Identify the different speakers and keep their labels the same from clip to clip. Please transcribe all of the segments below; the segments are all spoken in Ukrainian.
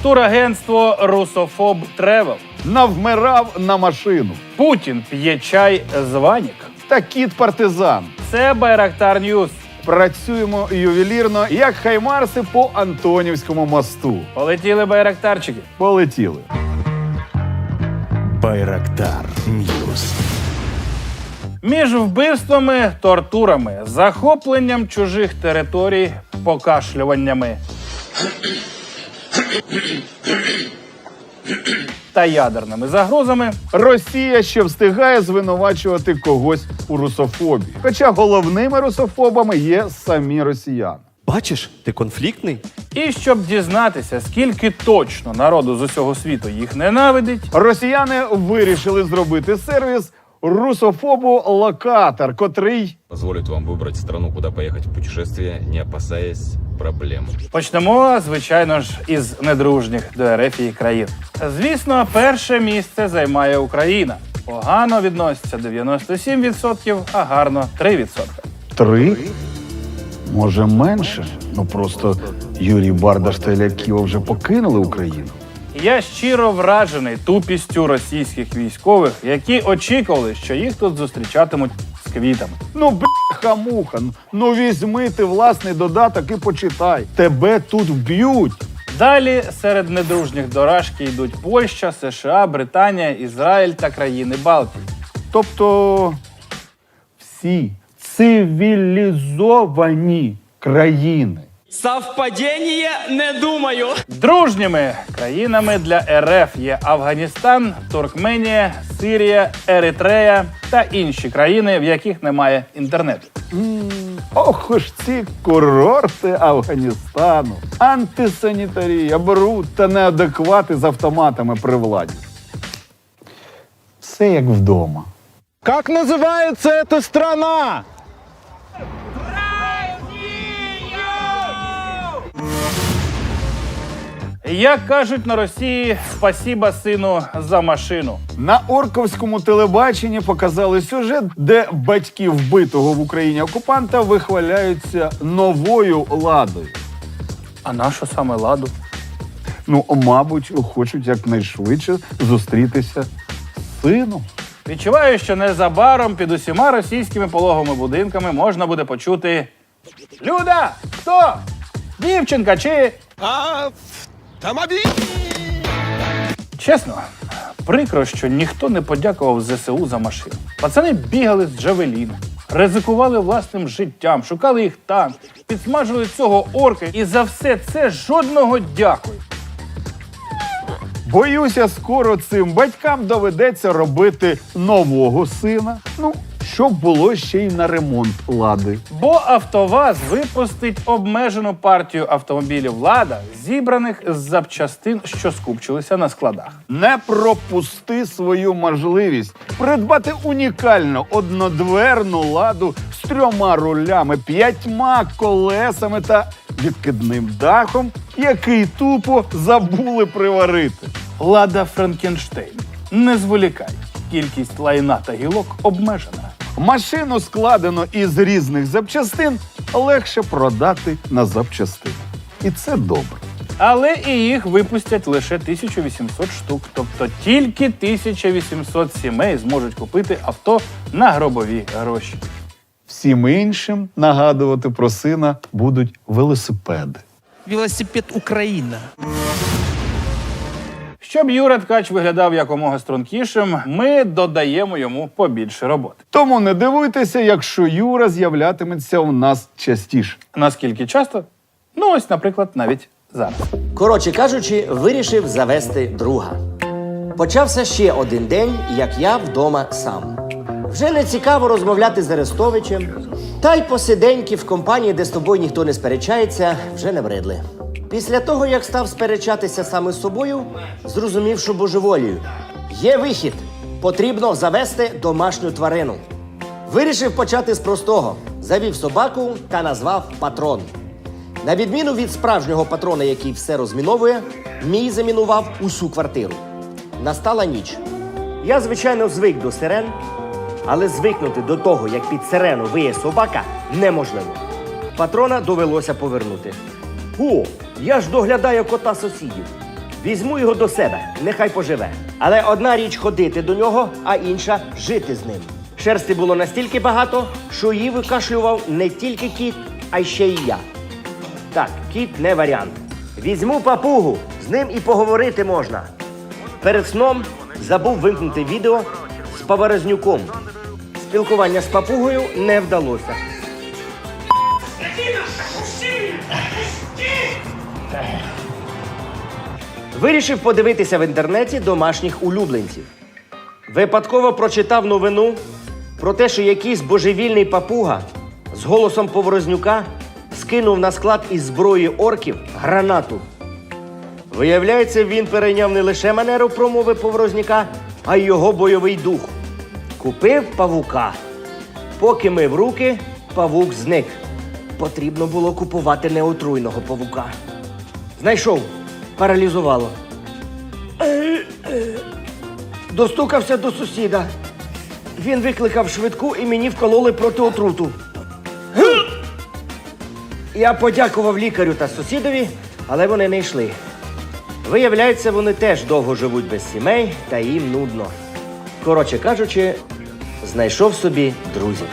Speaker 1: Турагентство «Русофоб Тревел».
Speaker 2: Навмирав на машину.
Speaker 1: Путін п'є чай з Ванік.
Speaker 2: Та кіт-партизан.
Speaker 1: Це Байрактар Ньюс.
Speaker 2: Працюємо ювелірно, як хаймарси по Антонівському мосту.
Speaker 1: Полетіли байрактарчики.
Speaker 2: Полетіли.
Speaker 3: Байрактар Ньюс.
Speaker 1: Між вбивствами, тортурами, захопленням чужих територій, покашлюваннями та ядерними загрозами
Speaker 2: Росія ще встигає звинувачувати когось у русофобії. Хоча головними русофобами є самі росіяни.
Speaker 3: Бачиш, ти конфліктний?
Speaker 1: І щоб дізнатися, скільки точно народу з усього світу їх ненавидить,
Speaker 2: Росіяни вирішили зробити сервіс русофобу-локатор, котрий
Speaker 4: Позволит вам выбрать страну, куда поехать в путешествие, не опасаясь проблем.
Speaker 1: почнемо, звичайно ж, із недружніх до РФ країн. Звісно, перше місце займає Україна. Погано відноситься 97%, а гарно 3%.
Speaker 2: 3? Може менше? Ну просто Юрій Бардаш та Ілля Ківа вже покинули Україну.
Speaker 1: Я щиро вражений тупістю російських військових, які очікували, що їх тут зустрічатимуть з квітами.
Speaker 2: Ну, бляха-муха, ну візьми ти власний додаток і почитай. Тебе тут вб'ють.
Speaker 1: Далі серед недружніх до Рашки йдуть Польща, США, Британія, Ізраїль та країни Балтії.
Speaker 2: Тобто всі цивілізовані країни.
Speaker 5: Совпадение? Не думаю.
Speaker 1: Дружніми країнами для РФ є Афганістан, Туркменія, Сирія, Еритрея та інші країни, в яких немає інтернету.
Speaker 2: Ох ж ці курорти Афганістану. Антисанітарія, бруд та неадеквати з автоматами при владі. Все як вдома.
Speaker 6: Как называется эта страна?
Speaker 1: Як кажуть на Росії, спасіба сину за машину.
Speaker 2: На орковському телебаченні показали сюжет, де батьки вбитого в Україні окупанта вихваляються новою ладою.
Speaker 1: А нащо саме ладу?
Speaker 2: Ну, мабуть, хочуть якнайшвидше зустрітися з сином.
Speaker 1: Відчуваю, що незабаром під усіма російськими пологовими будинками можна буде почути: Люда! Хто? Дівчинка чи... Чесно, прикро, що ніхто не подякував ЗСУ за машину. Пацани бігали з Джавеліна, ризикували власним життям, шукали їх там, підсмажили цього орка, і за все це жодного дякую.
Speaker 2: Боюся, скоро цим батькам доведеться робити нового сина. Ну, щоб було ще й на ремонт лади.
Speaker 1: Бо АвтоВАЗ випустить обмежену партію автомобілів «Лада», зібраних з запчастин, що скупчилися на складах.
Speaker 2: Не пропусти свою можливість придбати унікальну однодверну ладу з 3 рулями, 5 колесами та відкидним дахом, який тупо забули приварити.
Speaker 1: «Лада Франкенштейн». Не зволікай. Кількість лайна та гілок обмежена.
Speaker 2: Машину, складено із різних запчастин, легше продати на запчастини. І це добре.
Speaker 1: Але і їх випустять лише 1800 штук. Тобто тільки 1800 сімей зможуть купити авто на гробові гроші.
Speaker 2: Всім іншим нагадувати про сина будуть велосипеди.
Speaker 5: Велосипед Украина.
Speaker 1: Щоб Юра Ткач виглядав якомога стрункішим, ми додаємо йому побільше роботи.
Speaker 2: Тому не дивуйтеся, якщо Юра з'являтиметься у нас частіше.
Speaker 1: Наскільки часто? Ну ось, наприклад, навіть зараз.
Speaker 7: Коротше кажучи, вирішив завести друга. Почався ще один день, як я вдома сам. Вже не цікаво розмовляти з Арестовичем, та й посиденьки в компанії, де з тобою ніхто не сперечається, вже не бредли. Після того, як став сперечатися саме з собою, зрозумів, що божеволію. Є вихід. Потрібно завести домашню тварину. Вирішив почати з простого. Завів собаку та назвав Патрон. На відміну від справжнього патрона, який все розміновує, мій замінував усю квартиру. Настала ніч. Я, звичайно, звик до сирен, але звикнути до того, як під сирену виє собака, неможливо. Патрона довелося повернути. О, я ж доглядаю кота сусідів. Візьму його до себе, нехай поживе. Але одна річ ходити до нього, а інша жити з ним. Шерсти було настільки багато, що її викашлював не тільки кіт, а й ще й я. Так, кіт не варіант. Візьму папугу, з ним і поговорити можна. Перед сном забув вимкнути відео з Поворознюком. Спілкування з папугою не вдалося. Вирішив подивитися в інтернеті домашніх улюбленців. Випадково прочитав новину про те, що якийсь божевільний папуга з голосом Поворознюка скинув на склад із зброї орків гранату. Виявляється, він перейняв не лише манеру промови Поворознюка, а й його бойовий дух. Купив павука. Поки мив руки, павук зник. Потрібно було купувати неотруйного павука. Знайшов. Паралізувало. Достукався до сусіда. Він викликав швидку і мені вкололи проти отруту. Я подякував лікарю та сусідові, але вони не йшли. Виявляється, вони теж довго живуть без сімей та їм нудно. Коротше кажучи, знайшов собі друзів.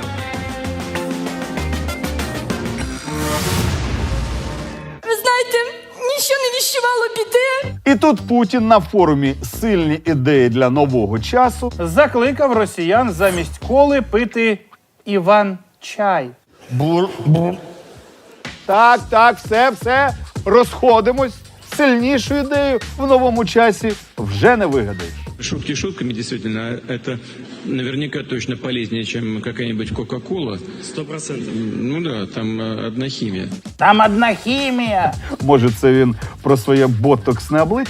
Speaker 8: Ви знаєте, нічого не віщувало біди.
Speaker 2: І тут Путін на форумі «Сильні ідеї для нового часу»
Speaker 1: Закликав росіян замість коли пити Іван-чай.
Speaker 2: Так, все, розходимось. Сильнішу ідею в новому часі вже не вигадаєш.
Speaker 9: Шутки шутками, действительно, это наверняка точно полезнее, чем какая-нибудь Кока-Кола. 100%. Ну да, там одна химия.
Speaker 1: Там одна хімія.
Speaker 2: Може, це він про своє ботоксне обличчя?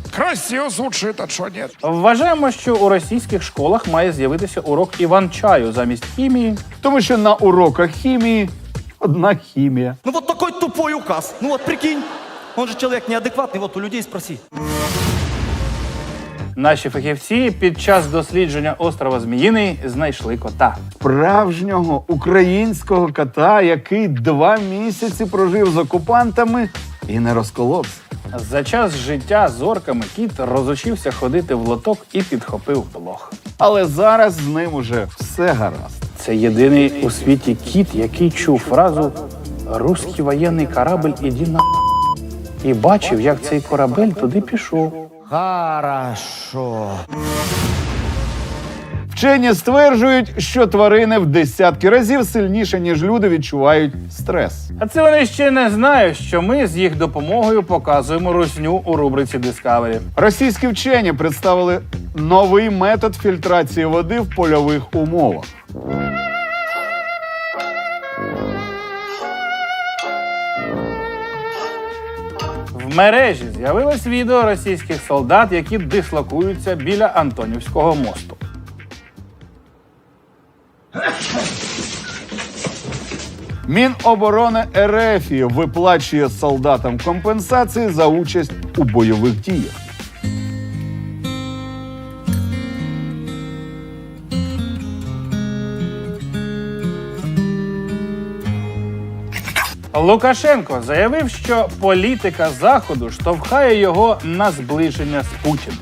Speaker 1: Вважаємо, що у російських школах має з'явитися урок Іван-чаю замість хімії.
Speaker 2: Тому що на уроках хімії одна хімія.
Speaker 3: Ну вот такой тупой указ. Ну вот прикинь, он же человек неадекватный, вот у людей спроси.
Speaker 1: Наші фахівці під час дослідження острова Зміїний знайшли кота.
Speaker 2: Справжнього українського кота, який 2 місяці прожив з окупантами і не розколовся.
Speaker 1: За час життя з орками кіт розучився ходити в лоток і підхопив блох.
Speaker 2: Але зараз з ним уже все гаразд.
Speaker 1: Це єдиний у світі кіт, який чув фразу «Руський воєнний корабль, іди на…» і бачив, як цей корабель туди пішов.
Speaker 7: Хорошо.
Speaker 2: Вчені стверджують, що тварини в десятки разів сильніше, ніж люди, відчувають стрес.
Speaker 1: А це вони ще не знають, що ми з їх допомогою показуємо русню у рубриці Discovery.
Speaker 2: Російські вчені представили новий метод фільтрації води в польових умовах.
Speaker 1: В мережі з'явилось відео російських солдат, які дислокуються біля Антонівського мосту.
Speaker 2: Міноборони РФ виплачує солдатам компенсації за участь у бойових діях.
Speaker 1: Лукашенко заявив, що політика Заходу штовхає його на зближення з Путіним.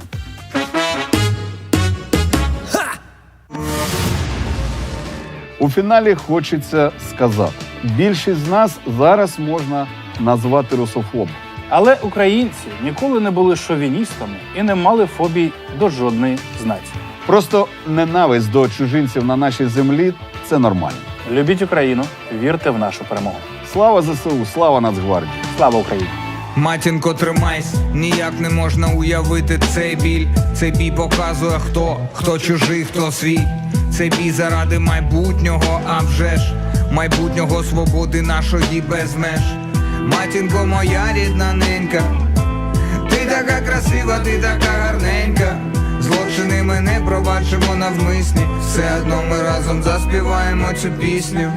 Speaker 2: У фіналі хочеться сказати, більшість з нас зараз можна назвати русофобом.
Speaker 1: Але українці ніколи не були шовіністами і не мали фобій до жодної з націй.
Speaker 2: Просто ненависть до чужинців на нашій землі – це нормально.
Speaker 1: Любіть Україну, вірте в нашу перемогу.
Speaker 2: Слава ЗСУ, слава Нацгвардії!
Speaker 1: Слава Україні!
Speaker 10: Матінко, тримайся, ніяк не можна уявити цей біль. Цей бій показує, хто чужий, хто свій. Цей бій заради майбутнього, а вже ж майбутнього свободи нашої без меж. Матінко, моя рідна ненька, ти така красива, ти така гарненька. Злочини ми не пробачимо навмисні, все одно ми разом заспіваємо цю пісню.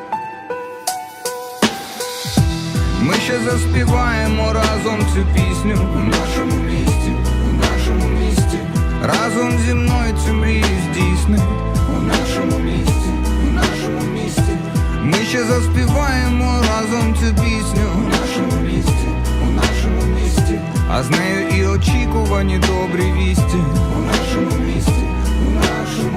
Speaker 10: Ми ще заспіваємо разом цю пісню у нашому місті, у нашому місті. Разом зі мною цю мрію здійсни у нашому місті, у нашому місті. Ми ще заспіваємо разом цю пісню у нашому місті, у нашому місті. а з нею і очікувані добрі вісті. У нашому місті, у нашому